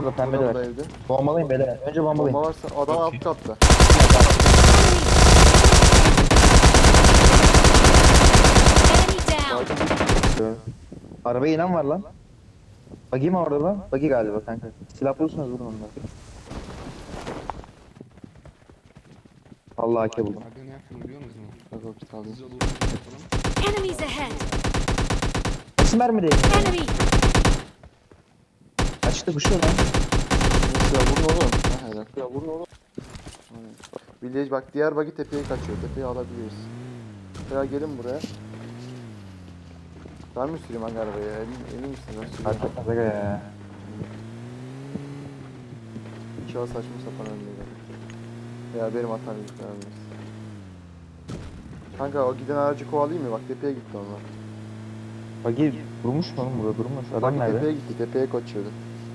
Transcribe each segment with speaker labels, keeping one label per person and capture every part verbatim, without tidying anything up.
Speaker 1: Burada pembe de
Speaker 2: Burada
Speaker 1: var.
Speaker 2: evde.
Speaker 1: Bombalayın beyler. Önce bombalayın.
Speaker 2: Bomba varsa adam alt katta.
Speaker 3: Enemy down.
Speaker 1: Arabaya inen var lan. Bagi mi orada lan? Bagi galiba kanka. Silah bulursunuz vurun onları. Allah hake buldum.
Speaker 4: Abi ne yaptım biliyor musun?
Speaker 2: Bak o kitabı.
Speaker 4: Güzel olur yapalım.
Speaker 3: Enemies ahead.
Speaker 1: Nasıl mermi değil?
Speaker 3: Enemy.
Speaker 1: Açtı kuşuyor lan.
Speaker 2: Ya vurun oğlum. Ha helal. Ya vurun oğlum. Aynen. Village bak diğer bagi tepeye kaçıyor. Tepeyi alabiliriz. Ya gelin buraya. Ben mi süreyim hangi arabayı? Emin, emin misin? Ben süreyim.
Speaker 1: Hakikaten Zaga ya.
Speaker 2: İnşallah saçma sapan önlüğü. Ya benim hatam yok. Önemli. Kanka o giden aracı kovalayayım mı? Bak tepeye gitti onlar.
Speaker 1: Bagi durmuş mu oğlum burada durmuş. Adam
Speaker 2: Bak
Speaker 1: nerede?
Speaker 2: tepeye gitti. Tepeye kaçıyordu.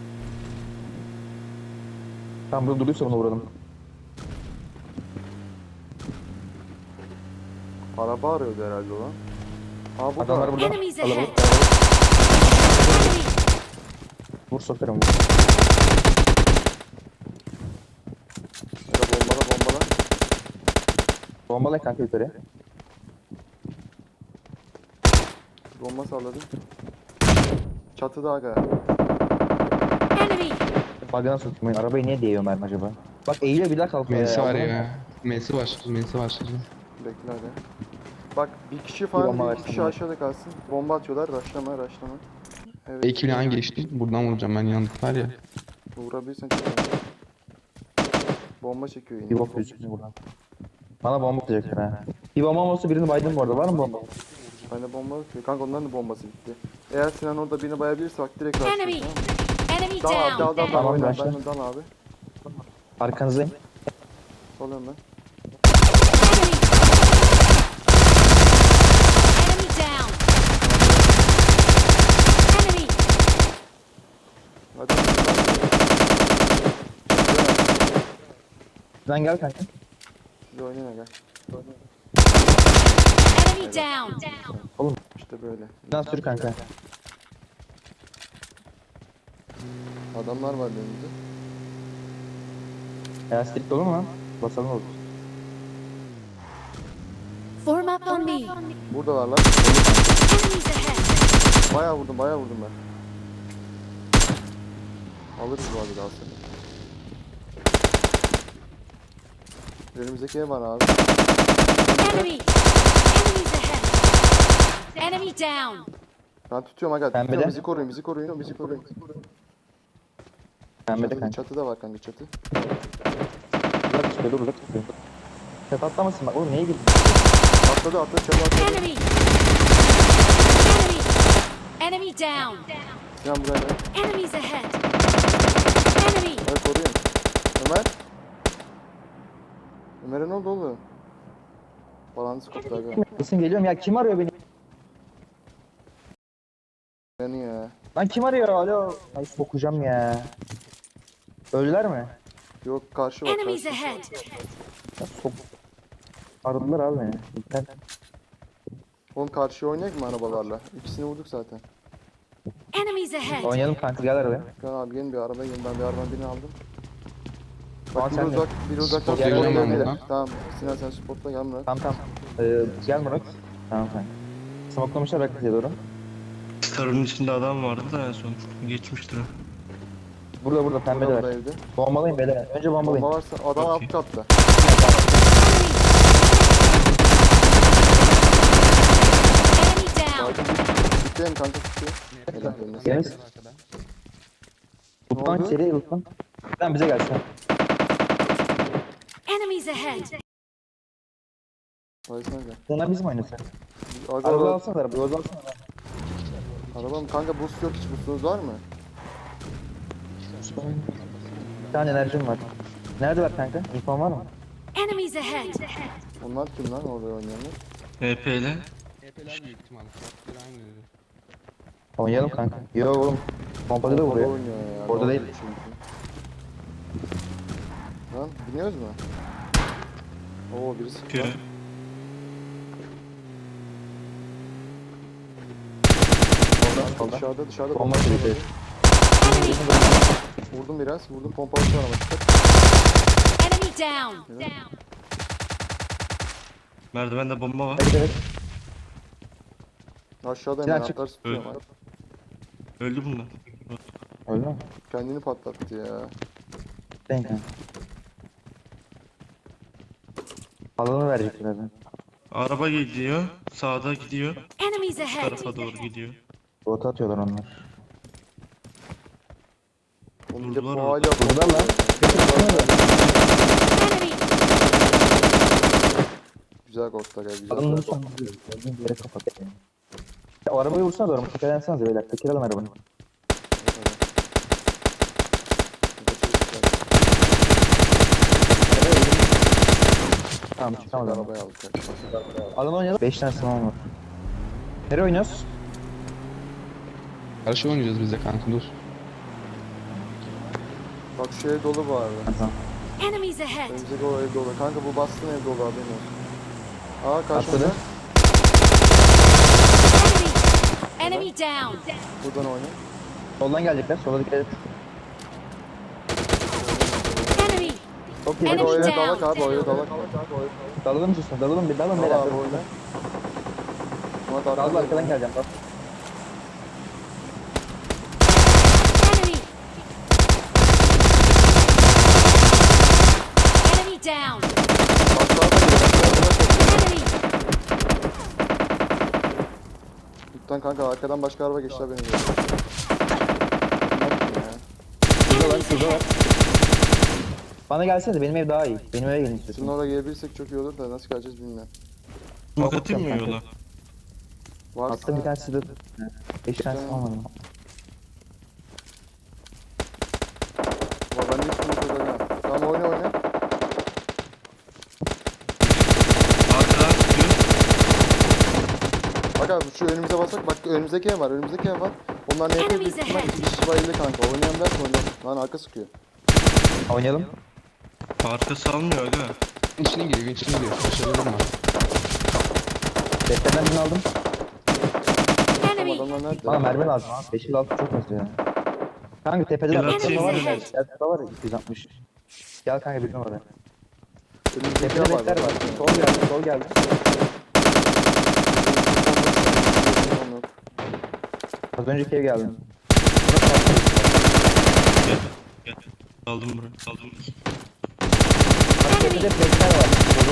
Speaker 1: Tam burada duruyorsa ona vuralım.
Speaker 2: Araba arıyordu herhalde o lan. Aa burada.
Speaker 1: Adamlar burada.
Speaker 3: Enemies
Speaker 1: Kalabalık.
Speaker 3: ahead. Enemy.
Speaker 1: Vur sokarım vur.
Speaker 2: Ya bombala bombala.
Speaker 1: Bombalay kanka yukarı.
Speaker 2: Bomba salladım. Çatıda aga.
Speaker 3: Enemy.
Speaker 1: Bagana sokmayın. Arabayı niye değiyor mermi acaba? Bak eğile bir daha kalkıyor
Speaker 4: Mensi var
Speaker 1: Aldın mı?
Speaker 4: ya. Mensi var. Mensi var.
Speaker 2: Bekle hadi. Bak bir kişi
Speaker 1: Bir bomba
Speaker 2: falan bir
Speaker 1: versene.
Speaker 2: kişi aşağıda kalsın. Bomba atıyorlar. Raşlama raşlama. Evet.
Speaker 4: Ekiple hangi geçti? Buradan vuracağım ben yandık var ya.
Speaker 2: Vurabilirsen çok iyi. Bomba çekiyor yine.
Speaker 1: Bir bok gözüküyor buradan. Bana bomba atacaklar ha. Bir bomba olsa birini baydım bu arada. Var mı bomba?
Speaker 2: Bende bomba yok ki. Kanka onların da bombası bitti. Eğer Sinan orada birini bayabilirse bak direkt raşlıyor.
Speaker 3: Enemy.
Speaker 2: Tamam mı?
Speaker 3: Enemy
Speaker 2: Dal abi dal dal
Speaker 3: down.
Speaker 2: dal.
Speaker 1: Tamam,
Speaker 2: Oyna
Speaker 1: raşla.
Speaker 2: ben dal abi.
Speaker 1: Arkanızdayım.
Speaker 2: Soruyorum ben.
Speaker 3: Enemy. Enemy down. Enemy.
Speaker 2: Hadi.
Speaker 1: Sen gel kanka.
Speaker 2: Siz oynayın gel.
Speaker 3: Enemy down.
Speaker 1: Oğlum
Speaker 2: İşte böyle.
Speaker 1: sen sür kanka.
Speaker 2: Adamlar var önümüzde.
Speaker 1: Ya strik olur mu lan? Basalım olur.
Speaker 3: Form up on me.
Speaker 2: Buradalar lan.
Speaker 3: Enemies ahead.
Speaker 2: Bayağı vurdum bayağı vurdum ben. Alırız bu arada daha sonra. Önümüzdeki ev var abi.
Speaker 3: Enemy. Enemies ahead. Enemy down.
Speaker 2: Ben tutuyorum aga.
Speaker 1: Pembe
Speaker 2: Tutuyorum,
Speaker 1: de.
Speaker 2: bizi koruyun bizi koruyun bizi koruyun.
Speaker 1: Pembe de
Speaker 2: Çatıda,
Speaker 1: kanka.
Speaker 2: çatıda var kanka çatı.
Speaker 1: Uzak tutuyor dur uzak tutuyor. Çat atlamasın bak oğlum neye girdin?
Speaker 2: Atladı atladı çatıda atladı.
Speaker 3: Enemy. Enemy. Enemy down.
Speaker 2: Sinan buraya gel.
Speaker 3: Enemies ahead. Enemy.
Speaker 2: Hadi koruyun. Ömer. Ömer'e ne oldu oğlum? Balansı koptu aga.
Speaker 1: Kesin geliyorum ya kim arıyor beni?
Speaker 2: Yani ya.
Speaker 1: Lan kim arıyor alo? Ay sokacağım ya. Öldüler mi?
Speaker 2: Yok karşı var
Speaker 3: Enemies
Speaker 2: karşı.
Speaker 3: ahead.
Speaker 1: Ya sok. Aradılar abi beni. İnternet.
Speaker 2: Oğlum karşıya oynayak mı arabalarla? İkisini vurduk zaten.
Speaker 3: Enemies ahead.
Speaker 1: Oynayalım kanka gel arabaya.
Speaker 2: Gel abi gelin bir arabaya gelin ben bir arabanın birini aldım.
Speaker 1: Tamam,
Speaker 2: Bak bir
Speaker 1: sen de.
Speaker 2: uzak bir uzaktan
Speaker 4: Spot vereceğim
Speaker 2: spotla
Speaker 4: ben
Speaker 2: gidelim.
Speaker 4: buradan.
Speaker 2: Tamam Sinan sen spotla gel Murat.
Speaker 1: Tamam tamam. Ee, gel Murat. Tamam kanka. Smoklamışlar rakıya doğru.
Speaker 5: Starın içinde adam vardı da en son geçmiştir o.
Speaker 1: Burada burada pembe de
Speaker 2: Burada
Speaker 1: var.
Speaker 2: evde.
Speaker 1: Bombalayın beyler. Önce bombalayın.
Speaker 2: Bomba varsa adam
Speaker 5: Okey.
Speaker 2: alt katta.
Speaker 3: Enemy down.
Speaker 2: Tutayım kanka tutuyor. Helal eline sağlık.
Speaker 1: Yeniz. Lutman
Speaker 2: oldu?
Speaker 1: seri lütfen. Sen bize gelsin.
Speaker 3: Enemies ahead.
Speaker 2: Baysana gel.
Speaker 1: Onlar bizim oynasak.
Speaker 2: Aga,
Speaker 1: Araba
Speaker 2: araba,
Speaker 1: alsana araba. Yoz alsana.
Speaker 2: arabam kanka boost yok hiç boostunuz var mı?
Speaker 1: Bir tane enerjim var. Nerede var kanka? İnfon var mı?
Speaker 3: Enemies ahead.
Speaker 2: Onlar kim lan orada oynayanlar?
Speaker 5: H P ile.
Speaker 4: Epeler büyük ihtimalle. Bir aynı dedi.
Speaker 1: Oynayalım kanka. Yo oğlum. Pompalı da
Speaker 2: Orada
Speaker 1: vuruyor.
Speaker 2: oynuyor ya.
Speaker 1: Orada
Speaker 2: Doğru
Speaker 1: değil.
Speaker 2: çünkü. Lan biniyoruz mu? Oo birisi çıktı.
Speaker 5: Göre.
Speaker 1: Solda solda.
Speaker 2: Dışarıda dışarıda
Speaker 1: Bomba
Speaker 2: bomba
Speaker 1: çekti.
Speaker 3: Enemy.
Speaker 2: Vurdum biraz. Vurdum pompalısı var ama dikkat.
Speaker 3: Enemy down. Down.
Speaker 5: Merdivende bomba var.
Speaker 1: Evet evet.
Speaker 2: Aşağıda
Speaker 1: Silah
Speaker 2: hemen
Speaker 1: çık.
Speaker 2: atlar sıkıyorum.
Speaker 5: Evet. Öldü bunlar.
Speaker 1: Öyle mi?
Speaker 2: Kendini patlattı ya.
Speaker 1: Denk kanka. Alanı verecek birazdan.
Speaker 5: Araba gidiyor. Sağda gidiyor.
Speaker 3: Enemies
Speaker 5: Bu
Speaker 3: ahead.
Speaker 5: tarafa doğru gidiyor.
Speaker 1: Rota atıyorlar onlar.
Speaker 2: Onun bir de
Speaker 5: Vurdular
Speaker 2: bu
Speaker 5: orada.
Speaker 2: hala
Speaker 1: Burada lan. Peki tutsana da.
Speaker 3: Enemy.
Speaker 2: güzel korktu aga güzel.
Speaker 1: Adamın
Speaker 2: korktu.
Speaker 1: vursan gördüğün bir yere kapat. Yani. Ya, o arabayı vursana doğru. Tekerlensenize beyler. Teker alın arabanı. Tamam çıkamadı araba.
Speaker 2: Arabayı aldık. aga.
Speaker 1: Alan oynayalım. beş tane sınav var. Nereye oynuyoruz?
Speaker 4: Karşı oynayacağız biz de kanka dur.
Speaker 2: Bak şu ev dolu bu arada.
Speaker 1: Tamam.
Speaker 3: Enemies ahead.
Speaker 2: Önümüzdeki o ev dolu. Kanka bu bastığın ev dolu haberin olsun. Aa karşımda.
Speaker 1: Atladı.
Speaker 3: Enemy. Enemy down.
Speaker 2: Buradan oyna.
Speaker 1: Soldan gelecekler. Sola dikkat et.
Speaker 3: Enemy.
Speaker 1: Çok iyi.
Speaker 2: Hadi
Speaker 3: Enemy
Speaker 2: o eve
Speaker 3: down.
Speaker 2: dalak abi o eve dalak.
Speaker 1: Dalalım susun. Dalalım bir. Dalın
Speaker 2: Dal
Speaker 1: beyler.
Speaker 2: abi oyna. Murat
Speaker 1: Daldı
Speaker 2: arkadan
Speaker 1: arkadan geleceğim. Bak.
Speaker 3: Enemy. Enemy down. Enemy.
Speaker 2: Lütfen kanka arkadan başka araba geçti haberin olsun.
Speaker 3: Enemies ahead.
Speaker 1: Bana gelsene benim ev daha iyi. Benim eve gelin
Speaker 2: Şimdi
Speaker 1: istiyorsun.
Speaker 2: oraya gelebilirsek çok iyi olur da nasıl geleceğiz bilmiyorum.
Speaker 5: Smoke atayım mı yola?
Speaker 2: Varsa
Speaker 1: Attım bir tanesi de. beş tane sınav var.
Speaker 2: var ben de üstüne koyacağım. Tamam oyna oyna.
Speaker 5: Arkadan çıkıyor.
Speaker 2: Bak abi şu önümüze basak bak önümüzdeki ev var önümüzdeki ev var. Onlar ne yapıyor?
Speaker 3: Enemies
Speaker 2: Büyük ihtimal
Speaker 3: ahead.
Speaker 2: iki kişi bayıldı kanka. Oynayan dersin oyna. Lan arka sıkıyor.
Speaker 1: Oynayalım.
Speaker 5: Arka salmıyor aga.
Speaker 4: İçine giriyor, içine giriyor. Başarılı mı?
Speaker 1: Defterden birini aldım.
Speaker 2: Tamam
Speaker 3: Enemy.
Speaker 2: adamlar nerede?
Speaker 1: Bana mermi lazım abi. beş altı çok az ya. Kanka tepede de
Speaker 5: Gel
Speaker 1: var.
Speaker 5: atayım
Speaker 1: Tepede var.
Speaker 3: mı?
Speaker 1: ya. Tepede var iki yüz altmış. Gel kanka bir numara.
Speaker 2: Önümüzdeki
Speaker 1: Tepede
Speaker 2: ev var.
Speaker 1: bekler var. Sol geldi. Sol geldi. Az önceki ev geldi.
Speaker 5: Gel. Gel. Aldım burayı. Aldım.
Speaker 1: Bak tepede bekler var.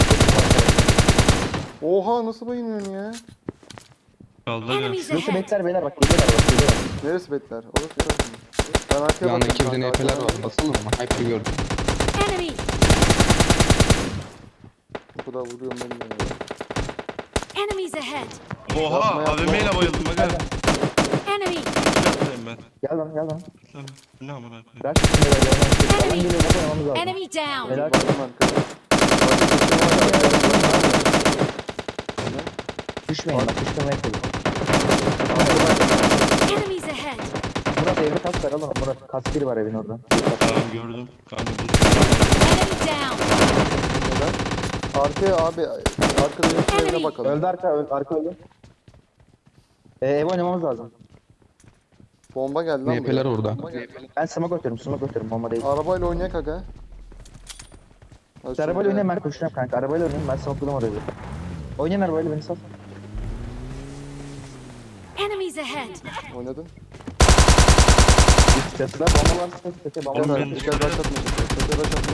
Speaker 2: Oha nasıl bayılıyorsun ya?
Speaker 5: Kaldı aga.
Speaker 3: Enemies
Speaker 1: Şurası
Speaker 3: ahead.
Speaker 1: bekler beyler bak geliyorlar bak geliyorlar.
Speaker 2: Neresi betler? Orası tarafı mı? Ben arkaya
Speaker 4: Bir anda
Speaker 2: bakıyorum
Speaker 4: iki bir de
Speaker 2: kanka,
Speaker 4: N P'ler
Speaker 2: arkadan
Speaker 4: var. Basalım mı? Hyper gördüm.
Speaker 3: Enemy.
Speaker 2: Bu kadar vuruyorum ben de ya.
Speaker 3: Enemies ahead.
Speaker 5: Oha
Speaker 2: Yapma, yapma.
Speaker 5: A V M ile bayıldım aga.
Speaker 3: Enemy.
Speaker 5: Yapmayayım ben.
Speaker 1: Gel lan gel lan.
Speaker 5: Tamam. Ne amına koyayım.
Speaker 1: Bırak şimdi böyle gelmem. Alan geliyor bak oynamamız lazım.
Speaker 3: Enemy down.
Speaker 1: Helal.
Speaker 2: Bayıldım arkada.
Speaker 1: Düşmeyin bak düşmemeye çalışın.
Speaker 3: Enemies ahead.
Speaker 1: Murat evde kask var alın Murat. Kask biri var evin orada.
Speaker 5: Tamam gördüm. Kanka bu.
Speaker 3: Enemy down.
Speaker 2: Arkaya abi arkada yoksa evine bakalım.
Speaker 1: Öldü arka öldü arka öldü. Ee, ev oynamamız lazım.
Speaker 2: Bomba geldi lan
Speaker 4: N P'ler
Speaker 2: buraya.
Speaker 4: orada.
Speaker 1: Ben smoke atıyorum smoke atıyorum bomba değil.
Speaker 2: Arabayla oynayak aga. Hadi
Speaker 1: İşte arabayla
Speaker 2: şöyle.
Speaker 1: oynayayım ben koşacağım kanka. Arabayla oynayayım ben smoke'ladım orayı. Oynayın arabayla beni sal.
Speaker 3: Enemies ahead.
Speaker 2: Oynadın.
Speaker 1: Üst çatıda bomba var. Çatıda bomba
Speaker 5: Oğlum
Speaker 1: var.
Speaker 5: ben-
Speaker 2: Dikkat başlatma. Dikkat başlatma.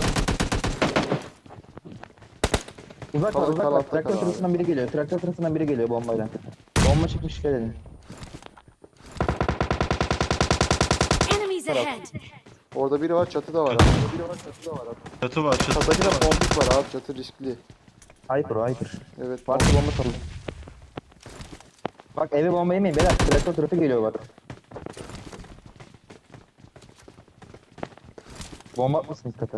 Speaker 1: Uzak var
Speaker 2: Kal-
Speaker 1: uzak
Speaker 2: kal
Speaker 1: var.
Speaker 2: altta
Speaker 1: Traktör
Speaker 2: kal abi.
Speaker 1: tarafından biri geliyor. Traktör tarafından biri geliyor bombayla. Bomba çıkmış dikkat edin.
Speaker 3: Enemies ahead.
Speaker 2: Orada biri var çatıda var abi. Orada biri var çatıda var abi.
Speaker 5: Çatı var. Çatı.
Speaker 2: Çatıdaki de bombik var abi çatı riskli.
Speaker 1: Hyper o hyper.
Speaker 2: Evet.
Speaker 1: Varsa bomba salın. Bak eve bomba yemeyin beyler. Traktör tarafı geliyor bak. Bomba atmasınız kata.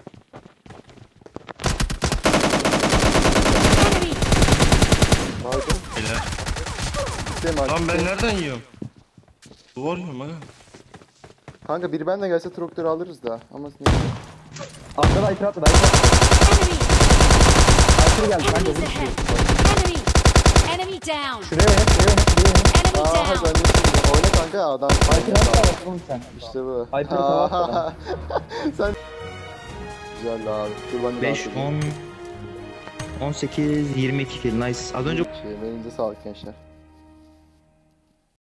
Speaker 3: Enemy.
Speaker 2: Baydın.
Speaker 5: Beyler.
Speaker 2: Sistem abi.
Speaker 5: Lan ben nereden yiyorum? Duvar yiyorum aga.
Speaker 2: Kanka biri benle gelse traktörü alırız da. Ama neyse.
Speaker 1: Atladı hyper atladı hyper.
Speaker 3: Enemy.
Speaker 1: Hyper geldi kanka.
Speaker 3: Enemies
Speaker 1: vur.
Speaker 3: ahead. Enemy. Enemy down.
Speaker 1: Şuraya oynat şuraya oynat şuraya oynat.
Speaker 3: Enemy
Speaker 2: Aha
Speaker 3: down.
Speaker 2: ben de oyna kanka adam.
Speaker 1: Hyper'ı nasıl alacaksın oğlum sen?
Speaker 2: İşte bu.
Speaker 1: Hyper'ı tava at.
Speaker 2: Sen güzel abi. Dur ben de
Speaker 6: beş,
Speaker 2: rahat edeyim.
Speaker 6: on, on sekiz, yirmi iki kill. Nice. Az önce
Speaker 2: Şey, elinize sağlık gençler.